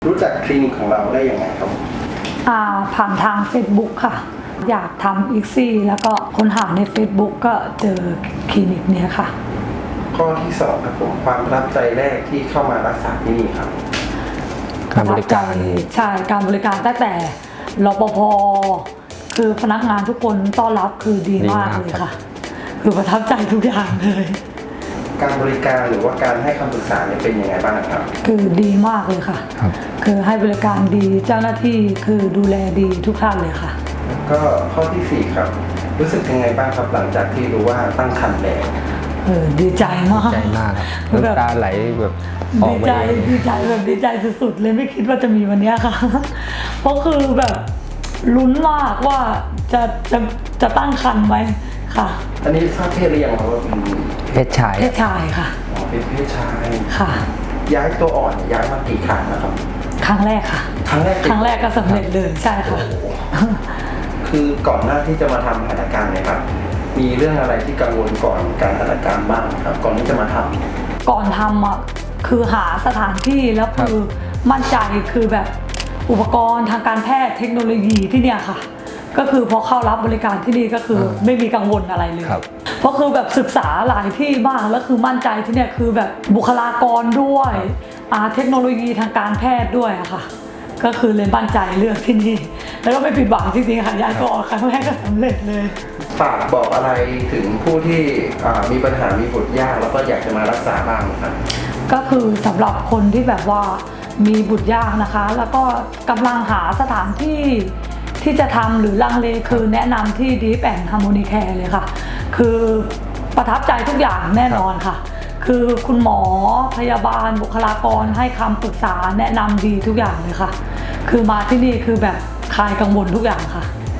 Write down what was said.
รู้จักคลินิกของเราได้ยังไงครับผ่านทาง Facebook ค่ะอยากทำอีกซี่แล้วก็ค้นหาใน Facebook ก็เจอคลินิกเนี้ยค่ะข้อที่สองครับผมความประทับใจแรกที่เข้ามารักษาที่นี่ครับการบริการใช่การบริการตั้งแต่รปภคือพนักงานทุกคนต้อนรับคือดีมากเลยค่ะคือประทับใจทุกอย่างเลยการบริการหรือว่าการให้คำปรึกษาเนี่ยเป็นยังไงบ้างครับคือดีมากเลยค่ะคือให้บริการดีเจ้าหน้าที่คือดูแลดีทุกท่านเลยค่ะแล้วก็ข้อที่สี่ครับรู้สึกยังไงบ้างครับหลังจากที่รู้ว่าตั้งครรภ์แล้วดีใจมากครับน้ำตาไหลแบบดีใจแบบดีใจสุดๆเลยไม่คิดว่าจะมีวันนี้ค่ะเพราะคือแบบลุ้นมากว่าจะตั้งครรภ์ไหมค่ะอันนี้ทราบเพศหรือยังครับว่าเป็นเพศชายค่ะเป็นเพศชายค่ะย้ายตัวอ่อนย้ายมากี่ครั้งนะครับครั้งแรกค่ะครั้งแรกก็สำเร็จเลยใช่ค่ะคือก่อนหน้าที่จะมาทำหัตถการเนี่ยครับมีเรื่องอะไรที่กังวลก่อนการหัตถการบ้างครับก่อนที่จะมาทำก่อนทำอ่ะคือหาสถานที่แล้วคือมั่นใจคือแบบอุปกรณ์ทางการแพทย์เทคโนโลยีที่เนี่ยค่ะก็คือพอเข้ารับบริการที่นี่ก็คือไม่มีกังวลอะไรเลยเพราะคือแบบศึกษาหลายที่มากแล้วคือมั่นใจที่เนี่ยคือแบบบุคลากรด้วยเทคโนโลยีทางการแพทย์ด้วยอะค่ะก็คือเลยมั่นใจเลือกที่นี่แล้วก็ไม่ผิดหวังจริงๆค่ะย้ายก็ออกครั้งแรกก็สำเร็จเลยฝากบอกอะไรถึงผู้ที่มีปัญหามีบุตรยากแล้วก็อยากจะมารักษาบ้างครับก็คือสำหรับคนที่แบบว่ามีบุตรยากนะคะแล้วก็กำลังหาสถานที่ที่จะทำหรือลังเลคือแนะนำที่ Deep and Harmony Care เลยค่ะคือประทับใจทุกอย่างแน่นอนค่ะคือคุณหมอพยาบาลบุคลากรให้คำปรึกษาแนะนำดีทุกอย่างเลยค่ะคือมาที่นี่คือแบบคลายกังวลทุกอย่างค่ะ